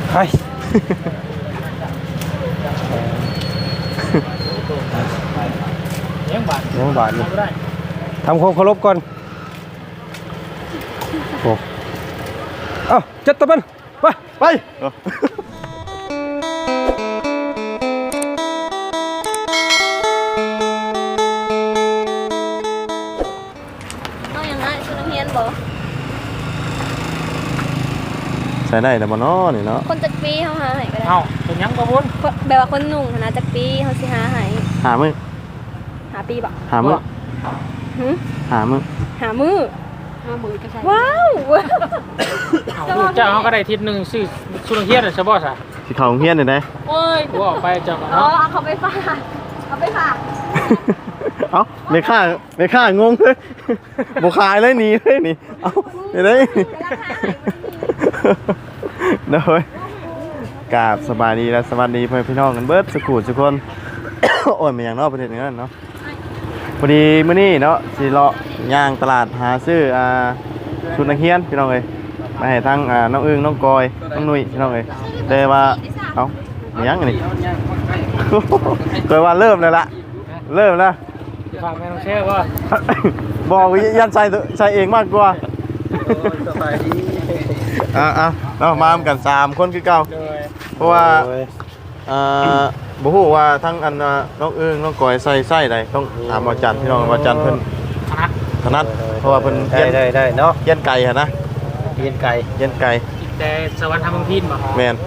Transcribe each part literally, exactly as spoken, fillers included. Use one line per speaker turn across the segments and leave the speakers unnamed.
ไปยังบาดยังบาดเลยทำความเคารพก่อนโอ้เอ้าจัดตะบันไปไปใช้ได้แต่บ่เนาะนี่เนาะ
คนจักปีเฮาหาให้ก็ได้
เอ้าเป็นยังบ่บุญ
แบบว่าคนหนุ่มนะจักปีเฮาสิหาให้
หามื้อ
หาปีบ่
หามื้อ
หึ
หามื้อ
หามื้อหามื้อก็ใช่ว้าว
เจ้าเฮาก็ได้ทิศนึงซื้อสุนเฮียนน่ะซะบ่ซะ
สิเข้าโรงเรียนได้
โอ้ยกูออกไปเจ้าก็
เนาะ
เนาะ
เอาเขาไปฝากเอาไปฝาก
เอ้าไม่ค่าไม่ค่างงเลยบ่ขายเลยหนีเลยนี่เอ้าไปเลยเด้อกราบสบายดีและสวัสดีเพื่อนพี่น้องกันเบิดสุขุทุกคน โอ้ยมาอย่างนอกประเทศนี้เนาะพอดีมื้อนี้เนาะสิเลาะย่างตลาดหาซื้ออ่าชุดนักเรียนพี่น้องเอ้ยมาให้ทั้งอ่าน้องอึ้งน้องกอยน้องนุ้ยพี่น้องเอ้ยแต่ว่าเอ้ามายังนี่ เคยว่าเริ่มเลยละเริ่มแล้ว
ฝากแม่น้องเชื่อบ่
บอกยันใส่ใส่เองมากกว่าอ่ะอ่ะเรามากันสามคนคือเก่าเพราะว่าอ่าบ่ฮู้ว่าทั้งอันน้องอึ้งน้องกอยใส่ไส้ใดต้องถามอาจารย์พี่น้องอาจารย์เพิ่นถนัดเพราะว่าเพิ่นได้ได้ได้เนาะเย็นไก่หั่นนะ
เย็นไก่
เย็นไก่
แต่สวรรค์ทำเมืองพินบ่
แม่น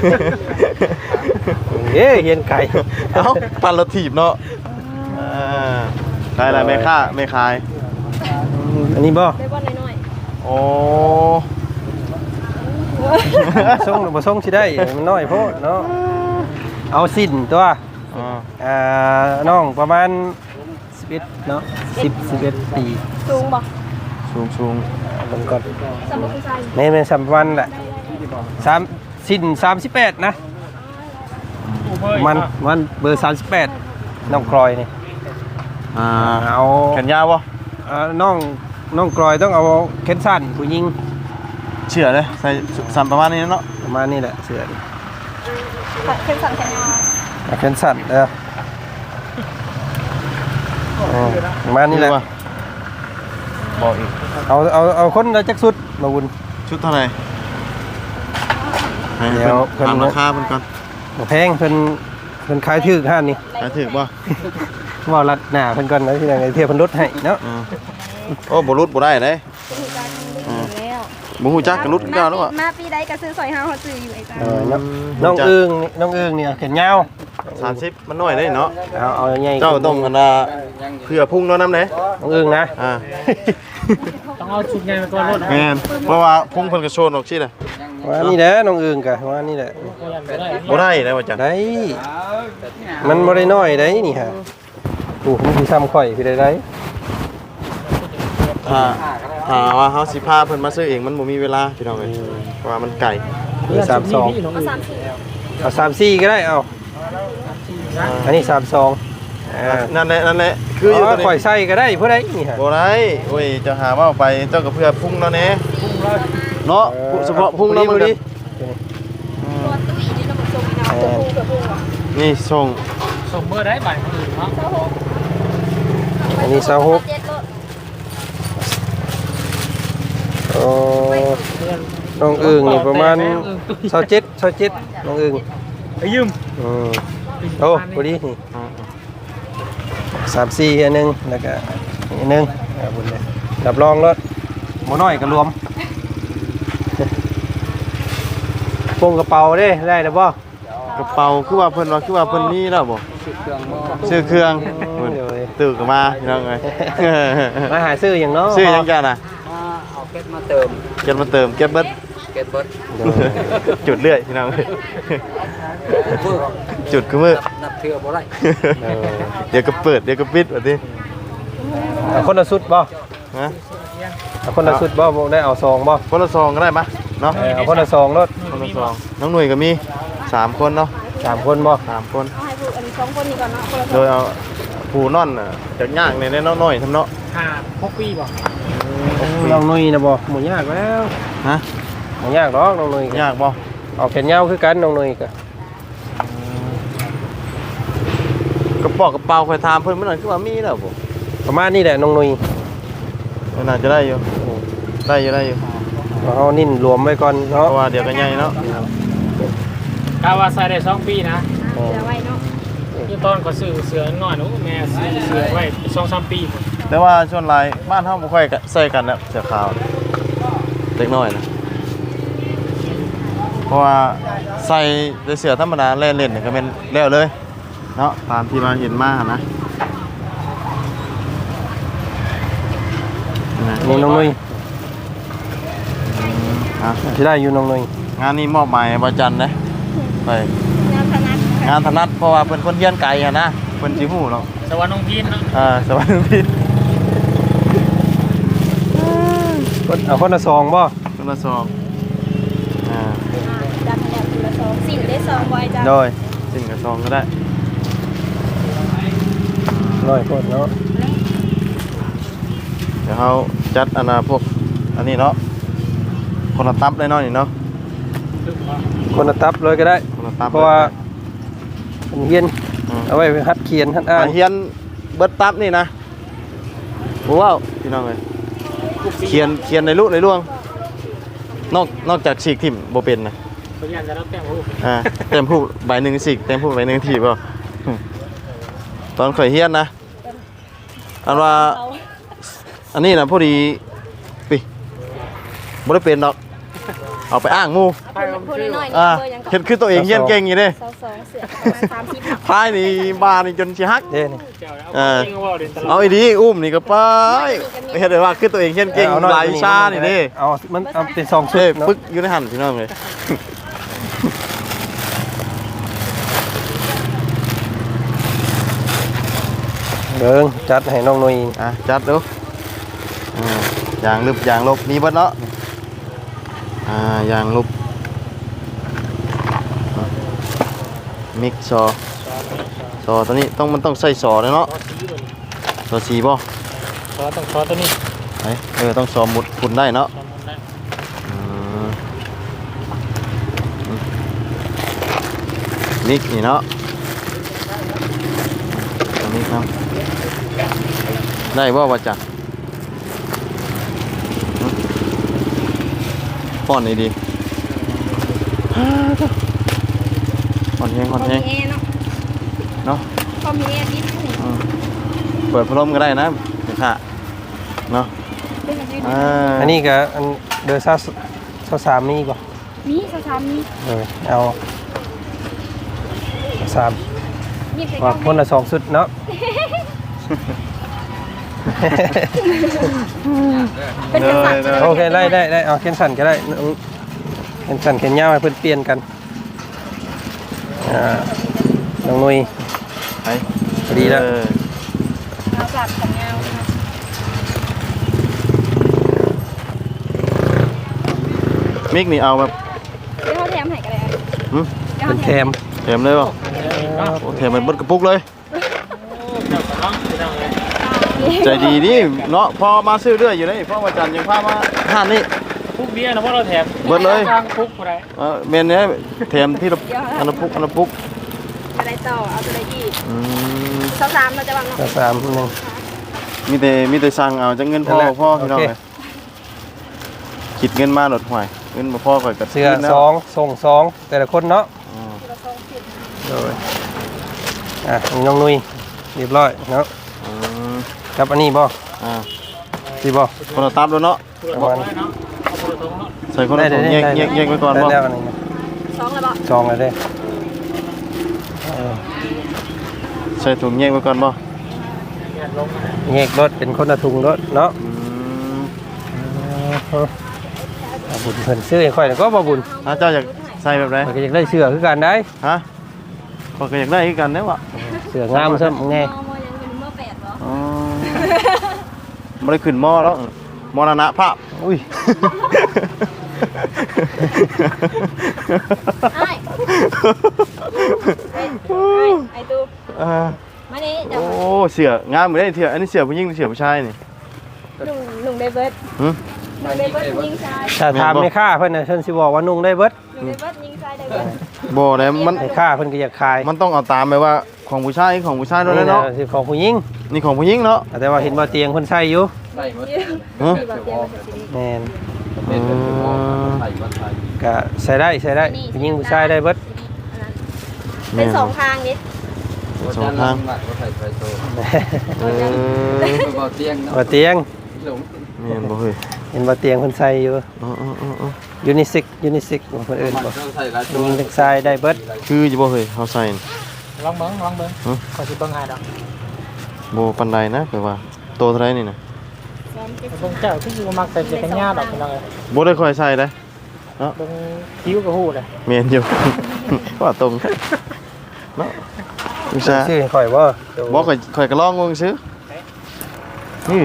เอ้เย็นไก่
เอ้าปั่นรถถีบเนาะอ่าได้ล่ะแม่ค้าแม่ขายอันนี้บ่
ได้บ่น้อยๆ
โอ้
ส่งบ่ส่งสิได้มันน้อยโพดเนาะเอาสิ้นตัวอ่าน้องประมาณสิบเอ็ดเนาะสิบ สิบเอ็ดปี
สูงบ่
สูงสูง
มันก่อน
สำหรับผู้ชาย
แม่ๆสามวันแหละสามสิ้นสามสิบแปดนะมันมันเบอร์สามสิบแปดน้องกลอยนี่
อ่า
เอา
แขนยาวบ่
อ่าน้องน้องกลอยต้องเอาแขนสั้นผู้หญิง
เชื่อเลยใส่สัมประมาณนี้เนาะ
ประมาณนี้แหละเสื้อ
แขนสั้นแขนยาว
แขนสั้นเออประมาณนี้แหละ
บอกอีก
เอาเอาเอาคนละจักสุดมาวุ้น
ชุดเท่าไหร่เดี๋ยวถามราคาเพิ่นก่อน
แพงเพิ่นเพิ่นขายถูกห้านนี่
ขายถูกบ่
ว่ารัดหน้าเพิ่นก่อนนะที่ไหนเทียบเพิ่นลดให้เนาะ
โอ้บ่ลดบ่ได้เด้บ่ฮู้จักก็ลดกันแล้วอ่ะ
มาปีใดก็ซื้อซอยเฮาเฮาซื้ออยู่ไอ้จ้า
เออน้องอึ้งน้องอึ้งเนี่ยแขนยาว
สามสิบมันน้อยได้เนาะ
เอาเอาใหญ่
เจ้าต้องกันว่าเพื่อพุ่งเนาะนำเด้
น้องอึ้งนะ
อ่า
ต้องเอาชุดใหญ่มาตัวรถ
แม่นเพราะว่าพุ่งเพิ่นก็โชนออกซี่น่ะ
ว่านี่แหละน้องอึ้งก็ว่านี่แหละ
บ่ได้ได้ว่าจัง
ได้มันบ่ได้น้อยได้นี่ฮะโอ้มันสิซ้ำข่อยพี่ได้ได้
ถ้าถ้าว่าเฮาสิพาเพิ่นมาซื้อเองมันบ่มีเวลาพี่น้องเอ้ยเพราะว่ามันไกล
สามสิบสอง
เอาสามสิบ
เอาสามสิบสี่ก็ได้เอาอันนี้สามสิบสอง
นั่นแหละนั่นแหละ
คืออยู่ข่อยใส่ก็ได้เพื่อได้นี่ฮะ
บ่ได้โอ้ยจะหาว่าไปเจ้าก็เพื่อพุ่งเนาะแน่เนาะเฉพาะพุ่งเนาะมันดินี่ส่ง
ส่งเบอร์ได้บ่ายมื้อเนาะ
อันนี้สาวหกโอ้น้องอึ่งนี่ประมาณสาวเจ็ดสาวเจ็ดน้องอึ่ง
ไปยืม
อืมโอ้พอดีนี่สามสี่อันนึงแล้วก็อันนึงบุญเลยรับรองรถหมูน้อยก็รวมพวงกระเป๋าได้ได้หรือเปล่าก
ระเป๋าคือว่าเพิ่นว่าคือว่าเพิ่นมีแล้วบ่ซื้อเครื่องตื่นกันมาพี่น้องเอ้ย
มาหาซื้ออย่างเนาะ
ซื้อยังกันน่ะ
เอาเก็บมาเติม
เก็บมาเติมเก็บเบิด
เก็บเบิด
จุดเรื่อยพี่น้องเอ้ยจุดคือมือ
นับเทื่อบ่ได้
เดี๋ยวก็เปิดเดี๋ยวก็ปิดว่าติ
คนละสุดบ่
ฮะ
คนละสุดบ่ได้เอาซองบ่
คนละซองก็ได้ปะเนาะ
เอาคนละซองรถ
คนละซองน้องหน่วยก็มีสามคนเนาะ
สามคนบ่
สามคน
เอาให้ผู้อันสองคนนี้ก่อนเนาะคนละ
โดยเอาผู้นอนน่ะจากย่างในในน้อยๆทำเนาะ
ห้าหกปีบ่
น้องหนุ่ยนะบ่หมูยากแล้ว
ฮะ
หมูยากดอกน้องหนุ่ย
ยากบ่
เอาแขนยาวคือกันน้องหนุ่ยก็
กระเป๋ากระเป๋าคอยถามเพิ่นมันนั่นคือว่ามีแล้วบ่
ประมาณนี้แหละน้องหนุ่ย
น่าจะได้อยู่ได้อยู่ได้อยู่
เอานิ่นรวมไว้ก่อน
เพ
เนาะ
ราะว่าเดี๋ยวก็ใหญ่เนาะ
กาวาใส่ได้สองปีนะ
เดี๋ยวไว้เนาะ
ยี่ตอนก็ซื้อเสือน้อยหนูแม่ซื้อเสือไว้สองสามปี
แต่ว่าส่วนหลายบ้านเฮาบ่ค่อยใส่กันแล้วเสื้อขาวเล็กน้อยนะเพราะว่าใส่แต่เสื้อธรรมดาเล่นเล่นนี่ก็แม่นแล้วเลยเนาะตามที่มาเห็นมาหั่นนะนะ
นี่น้องหนุ่ย
อ่ะ
ที่ได้อยู่น้องหนุ่ย
งานนี้มอบหมายบ่จันเด้ไป
งานถนัด
งานถนัดเพราะว่าเพิ่นคนเฮียนไกลหั่นนะเพิ่นสิฮู้เนาะ
สวรรค์น้องพีนเนาะ
อ่าสวัสดีพี่
เอาคนละซองบ่
คนละซองอ่า
ดันแล้วคนละสองสิ่งได้สองไว้จ้ะ
โดยสิ่งกับซองก็ได้
ร้อยคนเนาะ
เดี๋ยวเขาจัดอันน่ะพวกอันนี้เนาะคนละตับเลยเนาะนี่เนาะ
คนละตับเลยก็ได้
คนละตับ
เพราะว่าเป็นเฮียน
อืม
เอาไว้หัดเขียนหัดอ่า
อ่าน เฮียนเบิดตับนี่นะโอ้ว้าวพี่น้องเลยเขียนเขียนในลูกในล่วงนอกนอกจากฉีกทิ่มโบเป็นนะ
พยานจะรับแต้มรูป
อ่าเต็มผู้ใบหนึ่งฉีกเต็มผู้ใบหนึ่งถีบเปล่าตอนข่อยเฮียนนะอันว่า
เอา
อันนี้นะพอดีปิบ่ได้เป็นดอกเอาไปอ้างหมู่
เอาพูดน้อยๆนี่
อ่า
เบอร์ยังก่อน
เฮ็ดคือตัวเองเฮียนเก่งอยู่เด้
สองสองเสือประมาณสามสิบ
พายนี่บานี่จนสิฮัก
เด้นี่
เจ้าเอาจริงว่าเรียนตลอ
เอา
ด
อีดีอุ้มนี่ก็ไปเฮ็ดได้ว่าคือตัวเองเฮียนเก่ง
เอาน้อย
หลายวิชานี่เด้
เอามันเอาเป็นซองชุ
เอ้
ดเนาะ
ปึ๊กอยู่ในหันพี่น้องเลย
เบิ่งจัดให้น้องหนุ่ย
อ่ะจัดดูอ่าอย่างลึบอย่างลบมีเบิดเนาะอ่าอย่างลบอ่ะมิกซอซอตัวนี้ต้องมันต้องใส่ซอเลยเนาะ
ซอสสีบน
ซอสีบ่
ซอสต้องซอสตัวนี้
ไหนเออต้องซอหมุดฝุ่นได้เนาะ
ซอสมันได้
อืมอืมมิกนี่เนาะตัวนี้ครับได้บ่ว่าจักป้อนนี่ดีป้อนแห้ง
พ
ป้
อ
อน
มี
แห้ง
เอเนาะ
เนาะ
พอมีเอนิดหนึ่ง
อืมเปิดพัดลมก็ได้นะเดี๋ยวค่ะเนาะ
เป็นอะไร
อ่า
อันนี้ก็อันเดอร์ซ่าซ่าสามมีบ่
มีสามมี
เออเอาสาม
มีใคร
ว่า
ก็
คนละสองชุดเนาะ
เป็นกษัตริย์จะได้
โอเคได้ได้ได้เอาเข็นสั่นก็ได้เข็นสั่นเข็นยาวให้เพิ่นเปลี่ยนกันอ่าน้องหนุ่ย
ไป
พอดีแล้ว
เออ
เอากลับกันยาวนะคะ
มิกนี่เอาแบบ
เดี๋ยวเขาแถมให้กันเลยอ่ะ
หึ
เดี๋ยว
เป็
เขา
น
แถ
แถ
ม
ม
เต็มเลยป่ะ
เนาะ
โอ้เต็มไปเบดกระปุกเลย
เจ้าของพี่น้องเลย
ใจดีดิเนาะพอมาซื้อเรื่อยอยู่นี่เพราะว่าจันยังพามาห้านนี่
พุกเบี้ยนะเพราะเราแถม
เบิดเลย
ทางพุกอะไร
เออเมนเนี้ยแถมที่ละอันละปุกอันละปุก
อะไรต่อเอาอะไรอีก
อืม
สามสามเราจะวางเนาะ
ก็สามหนึ่ง
มีแต่มีแต่สั่งเอาจะเงินพ่อ
นั่นแหละ
พ่อพี่น้อง
โอเค
เลยคิดเงินมาหลดห่วยเงินมาพ่อก่อนกับ
เสื้อสองส่งสองแต่ละคนเนาะ
อืม
เราสองสิบ
โดยอ่ะนี่น้องนุ้ยเรียบร้อยเนาะ
อืม
ครับอันนี้บ่
อ่า
สิบ่
คนละตับแล้วเนาะ
ผู้ละทงเนาะเอาผู้ละทงเนาะ
ใส่คนละถุงแยกแยกแยกไว้ก่อน
ได้
บ่
แล้วอันนี้นะ
สองแล้วบ่
จองเลยเด้เออ
ใส่ถุงแยกไว้ก่อนบ่
เนี่ยลงมา
แยกรถเป็นคนละถุงรถเนาะ
อืม
เออเอาบุญเพิ่นซื้อให้ค่อยแล้วก็บ่บุญ
ถ้าเจ้าอยากใส่แบบไหน
มันก็อยากได้เสื้อคือกันได้
ฮะข้อยก็อยากได้คือกันเด้วะ
เสื้องามซะแน่
มอมอยังเป็นเมื่อแปดเหรอ
อ๋อไม่ได้ขึ้นหม้อแล้วมรณะภาพ
อุ้ย
ไอ้ไอ้ไอ้ตู
อ่า
มานี่เดี๋ยว
โอ้เสืองามเหมือนได้เถื่ออันนี้เสือผู้หญิงหรือเสือผู้ชายนี่
หนุ่มหนุ่มได้เบิร์ด
หึ
หนุ่มได้เบิร์ดยิงชาย
ถ้าถามไม่ค่าเพิ่นน่ะเพิ่นสิบอกว่านุ่งได้เบิด
อยู่ในบ้านยิงใส่ได้เบิด
บ่ได้มัน
ไอ้ค่าเพิ่นก็อยากขาย
มันต้องเอาตามไปว่าของผู้ชายของผู้ชายด้วยเนาะ
สิของผู้หญิง
นี่ของผู้หญิงเนาะ
แต่ว่าเห็นว่าเตียงเพิ่นใช้อยู่
ฮะ
ที่ว่าเตียงมันจะสิ
แม่น
อืม
ก็ใส่ได้ใส่ได้ผู้หญิงผู้ชายได้เบิด
เป็นสองทางนิด
สองทางเออ
ว่าเตียง
แม่นบ่เฮ้ย
เห็นว่าเตียงเพิ่นใช้อยู่
อ๋อๆๆ
ยูนิเซ็กยูนิเซ็กของคนอื่นบอกผู้หญิงทั้งชายได้เบิด
ๆคืออยู่บ่เฮ้ยเฮาใส่น่ะ
ลองเบิ่งลองเบิ่งขอสิเบิ่งให้ดอก
บ่ปานใดนะคือว่าโตเท่าไหร่นี่น่ะ
เบิ่งเจ้าที่อยู่มักใส่เสื้อกันหญ้าดอกพี่น้องเอ้ย
บ่ได้ค่อยใส่เด้
เบิ่งคิ้วก็ฮู้เลย
แม่นอยู่ ว่าตรงเนาะอุตส่าห์
ชื่อให้ข่อยบ่
บ่ค่อยค่อยก็ลองงงซื้อนี่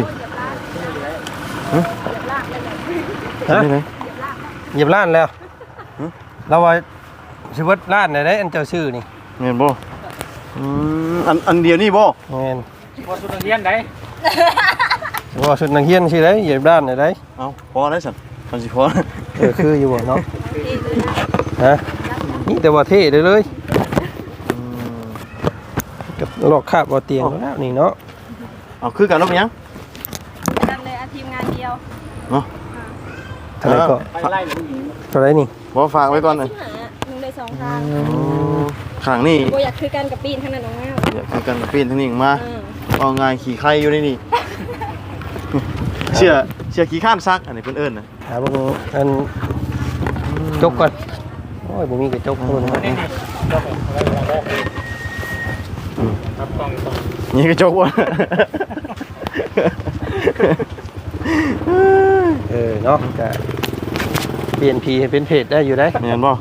ฮะ
นี่ไหน
เหยียบล้านแล้วเราว่าชีวิตล้านได้ได้อันเจ้าชื่อนี่
แม่นบ่อืมอันอันเดียวนี่บ่
แม่น
บ่สุดเรียนได้
ว่าสุดนักเรียนชื่อได้เหยียบล้านได้ได้
เอ้าพอได้สั่นมันสิพอ
เออคืออยู่บ่เนาะฮะนี่แต่ว่าเท่เลยเลย
อืม
กับลอกคาบบ่เตียงแล้วนี่เนาะ
เอาคือกันแล้วเป็นหยัง
กันเลยอาทีมงานเดียว
เนาะ
เท่าไหร่ก็
ไปไล่เลย
เท่าไหร่นี่
บ่ฝากไว้ก่อนเลย
หามึงได้สองทาง
ข้างนี่
บ่อยากคือกันกับปีนขนาดน้องแมว
อยากคือกันปีนทางนี้มา
เออ
เอาง่ายขี่ไข่อยู่ในนี่ เชื่อเชื่อขี่ข้านซักอันนี้เพิ่นเอิ้นน่ะ
หาเบิ่งอันจกก่อนโอ้ยบ่มีกระจกพุ่น
นี่นี่ยกเอาไว้เอาไว้ครับกล้องกล้อง
นี่กระจกว่ะ
เออเนาะก็เปลี่ยนพีให้เป็นเพจได้อยู่ได้
แม่นบ่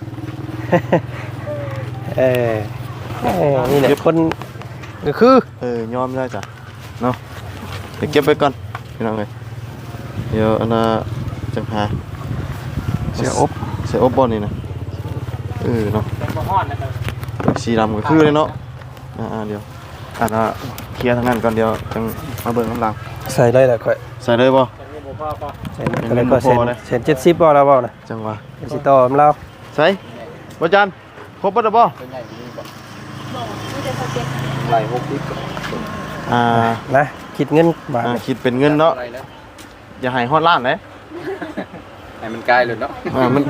เออเออนี่แหละคนก็คือ
เออยอมได้จ้ะเนาะเดี๋ยวเก็บไว้ก่อนพี่น้องเอ้ยเดี๋ยวอันน่ะจังหา
เสียอบ
เสียอบบ่นี่นะเออเนาะ
เป็นบ่ฮ้อนนะครับ
สีดำก็คือเลยเนาะอ่าๆเดี๋ยวอันน่ะเคลียร์ทางนั้นก่อนเดี๋ยวจังมาเบิ่งกำลัง
ใส่ได้แหละค่อย
ใส่เลยบ่
แต่นี่บ่พอก็
ใส่ได้ก็เซ็น
พอเลย
เซ็นเจ็ดสิบบ่แล้วบ่นะ
จังหวะ
สิต่อมเรา
ใส่บ่จันครบบ่ได้บ่
มันจะสเก็ต
อ่า
นะคิดเงินบาท
อ่าคิดเป็นเงินเนาะอย่าให้ฮอดล้านเลย
ให้มันกลายเลยเนาะ
อ่ามัน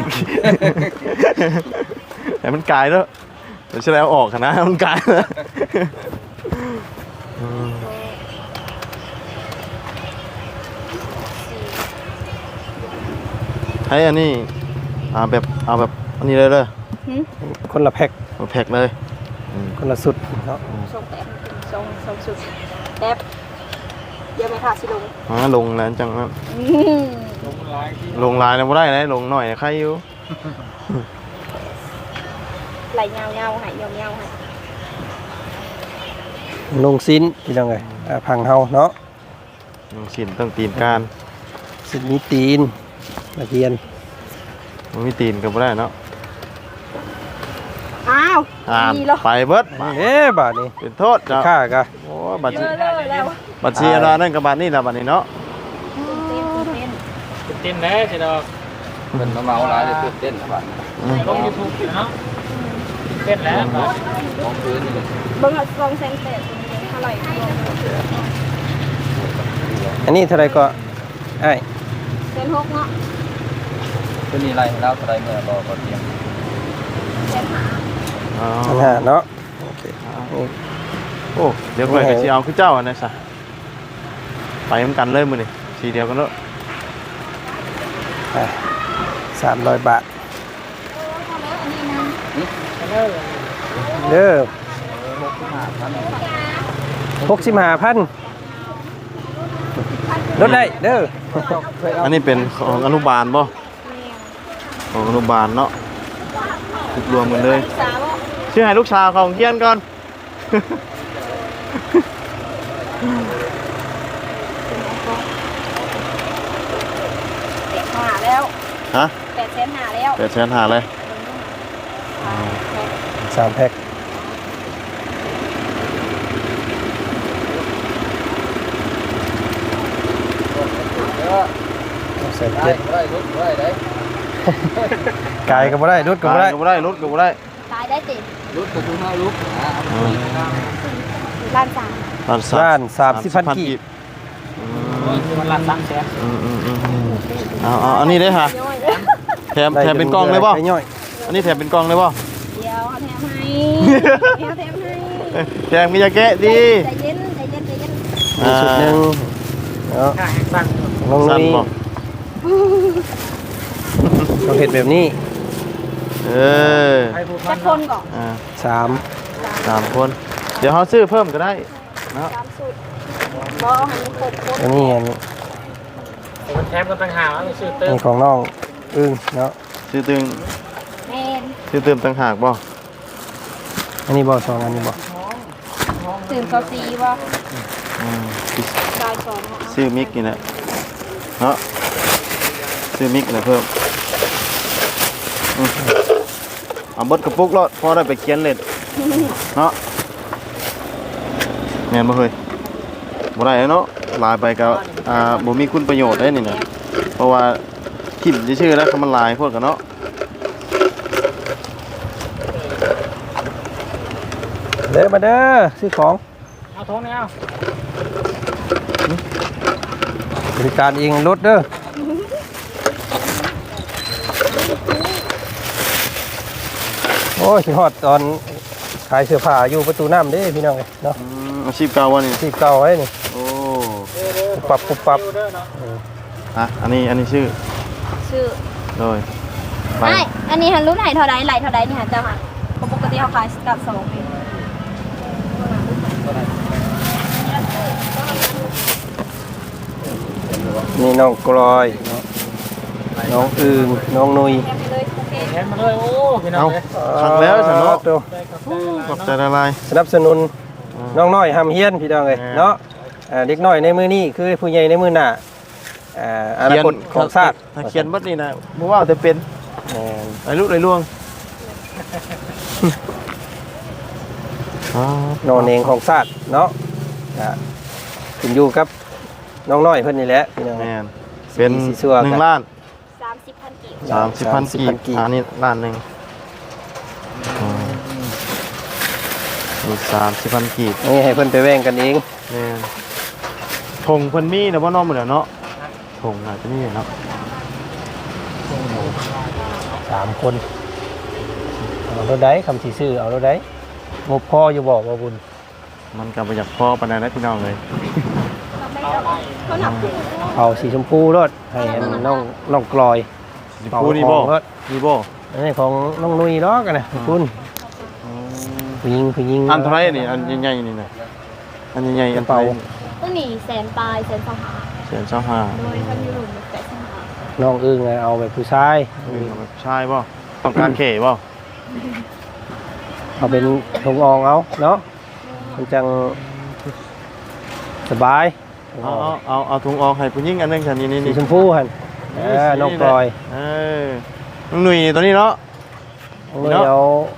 ให้มันกลายแล้วเดี๋ยวจะแล้วออกนะให้มันกลายแล้วอืมให้อันนี้อ่าแบบเอาแบบอันนี้เลยเลย
คนละแพ็ค
เอาแพ็คเลยอืม
คนละสุดเนาะ
ส่งแป๊บส่งส่งสุดแป๊บเดี๋ยวไม่ขาดสิลง
อ่าลงแล้วจังนั้น
อืม
ลงไลน์
ลงลายแล้วบ่ได้นะลงหน่อยใครอยู่
ไหลเงาเงาๆให้เงาเงาๆให้
ลงซิ้นพี่น้องเอ้ยอ่าพังเฮาเนาะ
ลงสินต้องตีนการ
สินมีตีนตะเกียน
มันมีตีนก็บ่ได้เนาะ
อ้าว
อ่า
มีเหรอ
ไปเบิด
เอ๊ะบาทนี้
เป็นโทษจ้ะ
ค่ากะ
โอ้บัตร
เยอะเลยแล้ว
บัตรเสียแล้วนั่นกับบัตรนี่ละบัตรนี้เนาะ
ตื่นเต้นตื่นเต้น
เต็มแล้วสิดอก
เป็นมาเมาหลายเลยตื่นเต้นนะบ้าน
ลง YouTube อยู่เนาะเต็มแล้วบาด
มองพื้นนี่
เบิ่งเอาลองเซนเตสเท่าไหร่รวม
อันนี้เท่าไหร่ก็ไอ้าย
เซนหกเนาะ
ก็มีอะไรแล้วอะไรเมื่อรอก่อนเตียง
เซนหา
อ๋อ
พันห้าเนาะโอเคนี่
โอ้เดี๋ยวก่อนก็สิเอาคือเจ้าอันนั้นซะไปเหมือนกันเลยมื้อนี้สีเดียวกันเนาะ
สามร้อยบาท
เด้อ
เด้อหกสิบห้าพันลดได้เด้อ
อันนี้เป็นของอนุบาลบ่ของอนุบาลเนาะทุกรวมกันเลย
สามอ่ะ
ชื่อให้ลูกชาวเขาเฮียนก่อน
แปดหาแล้ว
ฮะ
แปดเซนหาแล้ว
แปดแสนหาเลย
สามแพ็คแสน
ได้
เจ็ด
ได้รถได้ได้
ไก่ก็บ่ได้รถก็บ่ได้
ก็บ่ได้รถก็บ่ได้
ตายได้ติ
ลุกประตูเฮาลุกอ่า
ล้านสาม
ล้าน
ล้านสามสิบพันกีบ
มันละสามแสน
อืมอืมอืมอืมเอาเอาอันนี้ได้ค่ะ
ย่อย
แถมแถมเป็นกล่องเลยบ่
ไก่ย่อย
อันนี้แถมเป็นกล่องเลยบ่
เดี๋ยวเอาแถมให้เดี๋ยวแถมให้
แถมมียาแกะดี
ใจเย็นใจเย็นใจเย็น
มีชุดหนึงเนาะ
ค่าแห้งสั้น
น้อง
สั้น
นี่
บ่
ต้องเฮ็ดแบบนี้
เออ
ใครพูด
จะคนก่อน
อ่า
สาม
สามคน เดี๋ยวเขาซื้อเพิ่มก็ได้เนาะ
สามสุดบอให้มันครบครบ
อันนี้อันนี้
มันแถมกันต่างหากแล้วซื้อเติม
นี่ของน้องอึ้งเนาะ
ซื้อตึง
แมน
ซื้อเติมต่างหากบ่
อันนี้บ่สองอันนี้บ่
ตื่นเขาซีว่า
อืม
ชายสองเอา
ซื้อมิกนี่แหละเนาะซื้อมิกนี่แหละเพิ่มอืมเอาเบิดกระปุกรอดพอได้ไปเขียนเล่นเนาะแม่นบ่เคยบ่ได้เนาะลายไปก็อ่าบ่มีคุณประโยชน์ได้นี่นะเพราะว่าทิ่มชื่อๆแล้วคำมันลายพวกกันเนาะ
เด้อมาเด้อซื้อของ
เอาท้องนี่เอา
บริการเองรถเด้อโอ้ยสิฮอดตอนขายเสื้อผ้าอยู่ประตูน้ำเด้พี่น้องเอ้ยเนาะ
อืมอาชีพเก่าวะนี่
ที่เก่าไว้นี่
โอ้
ปุ๊บปับปุ๊บปับ
อ่ะอันนี้อันนี้ชื่อ
ชื่อ
โดยไป
ไม่อันนี้หันรุ่นไหนเท่าใดไหลเท่าใดนี่หันเจ้าค่ะปกติเขาขายกับสองเอง
นี่น้องกลอยเนาะน้องอึงน้องนุย
แถมไปเลยโอเค
แถมมาเลยโอ้พี่น้อ
เอา
งเลย
ขังแล้วฉันเนาะ
ตัว
ได้ครับ
ขอบใจละลาย
สนับสนุนน้องน้อยหำเฮียนพี่น้องเอ้ย
แม่
เนาะอ่าเด็กน้อยในมือนี้คือผู้ใหญ่ในมือหน้าอ่าอนาคตของชาติ
ถ้าเขียนบัดนี่นะบ่ว่าแต่เป็น
แม่น
ไอ้ลูกไอ้ล่วงอ๋อน
อนเองของชาติเนาะอ่าขึ้นอยู่กับน้องน้อยเพิ่นนี่แหละพี่น้อง
แม่
เอ้ย
นเป็น
สีสัว
หนึ่
กั
ง
น
ล้าน
สามสิบพันกีบ
สามสิบพัน
สามสิบ
กี
พั
บ
นกีบ
อันนี้ล้านหนึ่งอ๋อนี่สามสิบพันกีบ
นี่ให้เพิ่นไปแว่งกันเอง
แม่นผงเพิ่นมีนะบ่น้องมื้อเนาะผงน่าจะมีเนาะ
สามคนเอารถได้คำสีซื้อเอารถได้งบพ่ออยู่บอกว่าบุญ
มันก็บ่อยากพอปานใดนะพี่น้องเลย
เขาหนักขึ้น
เอาสีชมพูรถให้อันน้องน้องกลอย
สิพูนี่บ่
เอาของรถ
นี่บ่
อันนี้ของน้องนุยล้อกันนะคุณผู้หญิงผู้หญิง
อันเท่าไหรนี่อันใหญ่ๆนี่นะอันใหญ่ๆอัน
เป่า
เป่า
ตัวนี้แสนปลายแสนสองหา
แสนเจ้าห้า
โดยพันยูโรแปดสิบห้า
น้องอึ้งน่ะเอาแบบผู้ชาย
เออแบบชายบ่ต้องการเข่บ่
เอาเป็นทงอองเอาเนาะมันจังสบาย
เอาเอาเอาเอาถุงออกให้ผู้หญิงอันหนึงค่ะนี่นี่
สี
นี่
ชมพูหันเออน้องกลอย
เออน้องหนุ่ยตัวนี้เนาะ
น้องนุยเอา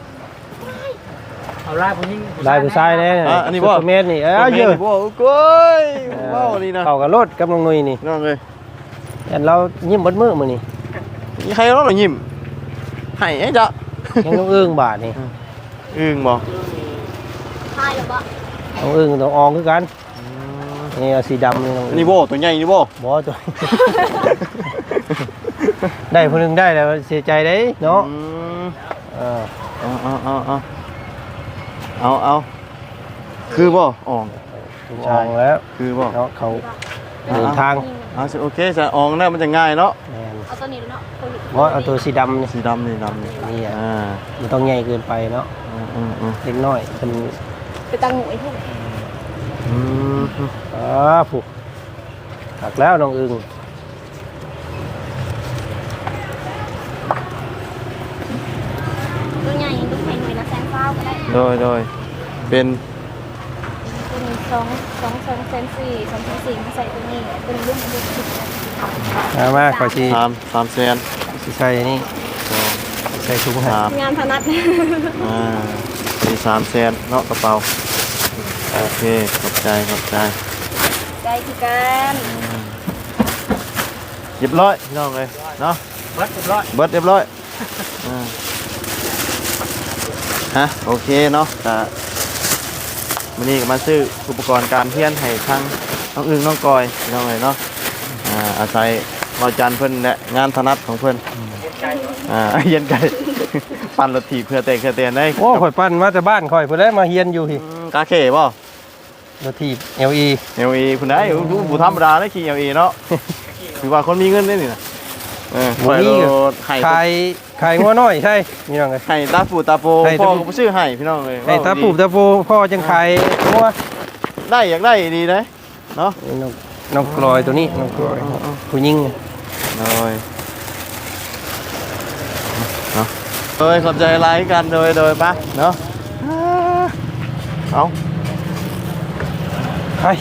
เอาลายผู้หญิง
ลายผู้ชายแน่
อ่ะอันนี้บ่
ซุปเปอร์แมนนี่เออเยอะ
บ่โอ้ยว้าวนี่นะ
เข้ากับรถกับน้องนุยนี่
น้องเอ้ย
แต่เรายิ้มเบดมือมื้อนี่
มีใครร้องหรอยิ้มให้ไอ้จ๊ะ
ยังน้องอึ้งบาทนี่
อึ้งบ่
ใช่หรือเปล่า
น้องอึ้งต้องอองคือกันนี่เอาสีดำนี่น้อง
อัน
อึ้ง
นี้บ่ตัวใหญ่นี่บ่
บ่ตัว ได้ผู้หนึงได้แล้วเสียใจเด้เนาะ
อืม
เออ
เอาเอาเอาเอาเอาเอาคือบ่อ่อง
อองแล้ว
คือบ่
เนาะเขาเดินทาง
เอาสิโอเคจะอ่องแล้วมันจะง่ายเนาะ
แม่น
เอาตัวนี้เนาะตัวนี้
เพราะเอาตัวสีดำนี่
สีดำนี่ดำนี่
นี่อ่ะ
อ่า
มันต้องใหญ่เกินไปเนาะ
อืมอืมอืม
เล็กน้อยเป็น
ไปตั้งหน่วยที่ไหน
อืม
อ่าผูกหักแล้วน้องอึง
ตัวใหญ่ตัวแข็งหน่วยละแสนเก้าก็ได้
โดยโดยเป็น
ตัวนี้สองสองสองแสนสี่สองแสนสี่มาใส่ตัวนี้เป็นรุ่นรุ่นสิบ
มามาขอชี
สามสามแสน
สิใส่นี่
สอง
ใส่ถุงให้
สาม
งานถนัด
อ่าสี่สามแสนเนาะกระเป๋าโอเคขอบใจขอบใจ
ใจคือกัน
เรียบร้อยพี่น้องเลยเนาะ
เบิดเรียบร้อย
เบิดเรียบร้อยอ่าฮะโอเคเนาะอ่าวันนี้ก็มาซื้ออุปกรณ์การเฮียนให้ทั้งน้องอึ้งน้องกอยน้องเลยเนาะอ่าอาศัยรอยจันทร์เพิ่นและงานถนัดของเพิ่นอ่าเฮียนไก่ ปั่นรถถีบเพื่อเตะเพื่อเตะได้
โอ้ข่อยปั้นมาแต่บ้านข่อยเพิ่นได้มาเฮียนอยู่พี่
อืมกาเข่บ่
รถถีบ แอล อี
เอลอีคุณได้ดูผู้ธรรมดาได้ขี่เอลอีเนาะ ถือว่าคนมีเงินได้นี่นะเออ
บ่มี
ไข่รถไข่
ขายขายงัวน้อยใช่พี่น้องเอ้ย
ไข่ตาปูตาโป
ไข่
พ่อ
ตาปู
ก็บ่ชื่อไห่พี่น้องเลย
ไอ้ตาปูตาโปพ่อจังขายงัว
ได้อยากได้ดีเลยเนาะ
น้องน้องกลอยตัวนี้น้องกลอยผู้หญิง
เลยเนาะโดยขอบใจไลค์กันโดยโดยปะเนาะเอา
ไป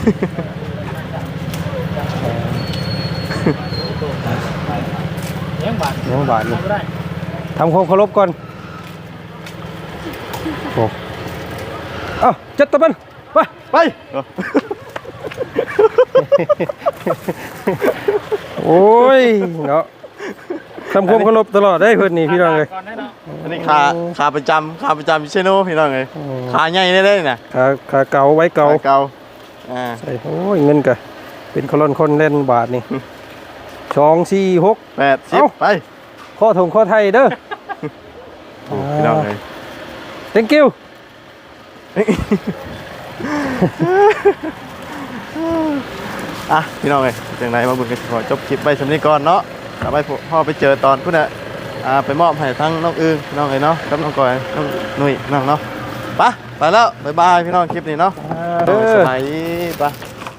เลี้ยงบาท
ยังบาทอยู่
ก็ได้
ทำความเคารพก่อนโอ้เอ้าจัดตะบันไป
ไป
โอ้ยเนาะทำความเคารพตลอดได้เพื่อนนี่พี่น้องเลย
ก่อนได้เนาะ
อันนี้ขาขาประจำขาประจำเชโน่พี่น้องเลยขาใหญ่ได้เลยนะ
ขาขาเก่าไว้เก่า
ขาเก่าอ่า
ใช่โอ้ยเงินกะเป็นคนล้นคนเล่นบาทนี่สองสี่หก
แปดสิบ
เอ้า
ไป
ข้อถงข้อไทยเด้อ
โอ้พี่น้องเลย
thank you
อ่ะพี่น้องเลยจังไรมาบุญกันขอจบคลิปไปสำนี้ก่อนเนาะต่อไปพ่อไปเจอตอนพุ่นน่ะอ่าไปมอบให้ทั้งน้องอึ้งพี่น้องเลยเนาะกับน้องกอยน้องหนุ่ยน้องเนาะไปไปแล้วบ๊ายบายพี่น้องคลิปนี้เนาะ
เด้อ
สบายดีไป